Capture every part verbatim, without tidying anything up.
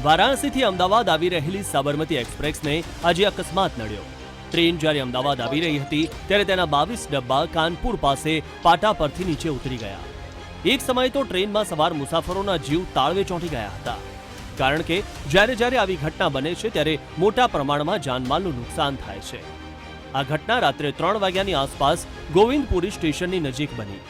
વારાણસીથી અમદાવાદ આવી રહેલી સાબરમતી એક્સપ્રેસને આજે અકસ્માત નડ્યો। ટ્રેન જ્યારે અમદાવાદ આવી રહી હતી ત્યારે તેના બાવીસ ડબ્બા કાનપુર પાસે પાટા પરથી નીચે ઉતરી ગયા। એક સમયે તો ટ્રેનમાં સવાર મુસાફરોના જીવ તાળવે ચોંટી ગયા હતા, કારણ કે જ્યારે જ્યારે આવી ઘટના બને છે ત્યારે મોટા પ્રમાણમાં જાનમાલનું નુકસાન થાય છે। આ ઘટના રાત્રે ત્રણ વાગ્યાની આસપાસ ગોવિંદપુરી સ્ટેશનની નજીક બની।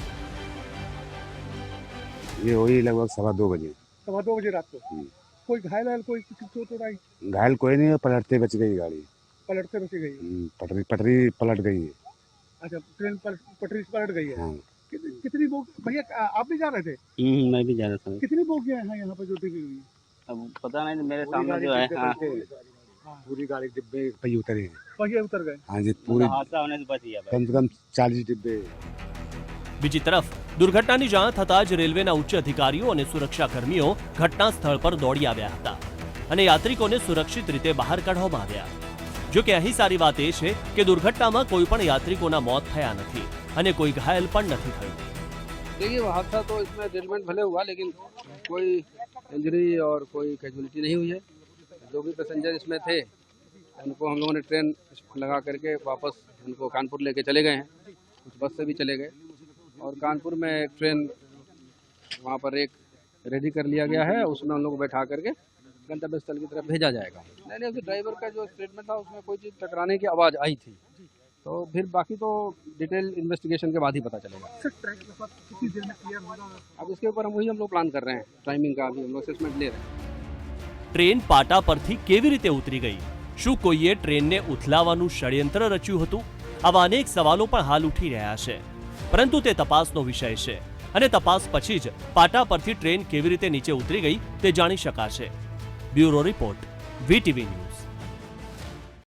ये वही लगभग सवा दो बजे सवा दो बजे रात को। कोई घायल है, कोई किसी चोट वोट आई? घायल कोई नहीं है, पलटते बच गई गाड़ी। पलटते बची गई? पटरी पटरी पलट गई है। अच्छा, ट्रेन पल, पटरी से पलट गई है। हाँ। कितनी, कितनी बोग भैया आप भी जा रहे थे? मैं भी जा रहा था। कितनी बोगियां हैं यहाँ पे जो टिकी हुई? अब पता नहीं, मेरे सामने जो है हाँ। पूरी गाड़ी डिब्बे पहिए उतरे हैं। पहिए उतर गए? हाँ जी, पूरी हादसा होने से बच गया। कम से कम चालीस डिब्बे। બીજી તરફ દુર્ઘટનાની જાણ થતાં જ રેલવેના ઉચ્ચ અધિકારીઓ અને સુરક્ષાકર્મીઓ ઘટના સ્થળ પર દોડી આવ્યા હતા અને યાત્રિકોને સુરક્ષિત રીતે બહાર કાઢવામાં આવ્યા। જો કે અહીં સારી વાત એ છે કે દુર્ઘટનામાં કોઈ પણ યાત્રિકોના મોત થયા નથી અને કોઈ ઘાયલ પણ નથી થયું। देखिए, हादसा तो इसमें डेलमेंट भले हुआ, लेकिन कोई इंजरी और कोई कैजुअलिटी नहीं हुई है। जो भी पैसेंजर इसमें थे उनको हम लोगों ने ट्रेन लगा करके वापस उनको कानपुर लेके चले गए हैं। कुछ बस से भी चले गए और कानपुर में एक ट्रेन वहाँ पर एक रेडी कर लिया गया है, उसमें उन लोगों को बैठा करके गंतव्य स्थल की तरफ भेजा जाएगा। नहीं नहीं, उस ड्राइवर का जो स्टेटमेंट था उसमें कोई चीज़ टकराने की आवाज़ आई थी, तो फिर बाकी तो डिटेल इन्वेस्टिगेशन के बाद ही पता चलेगा। कितनी देर में क्लियर होगा? अब इसके ऊपर हम वही हम लोग प्लान कर रहे हैं, टाइमिंग का भी हम लोग असेसमेंट ले रहे हैं। ટ્રેન પાટા પરથી કેવી રીતે ઉતરી ગઈ? શું કોઈએ ટ્રેનને ઉથલાવવાનું ષડયંત્ર રચ્યું હતું? આવા અનેક સવાલો પણ હાલ ઉઠી રહ્યા છે, પરંતુ તે તપાસનો વિષય છે અને તપાસ પછી જ પાટા પરથી ટ્રેન કેવી રીતે નીચે ઉતરી ગઈ તે જાણી શકાશે। Bureau report, VTV news.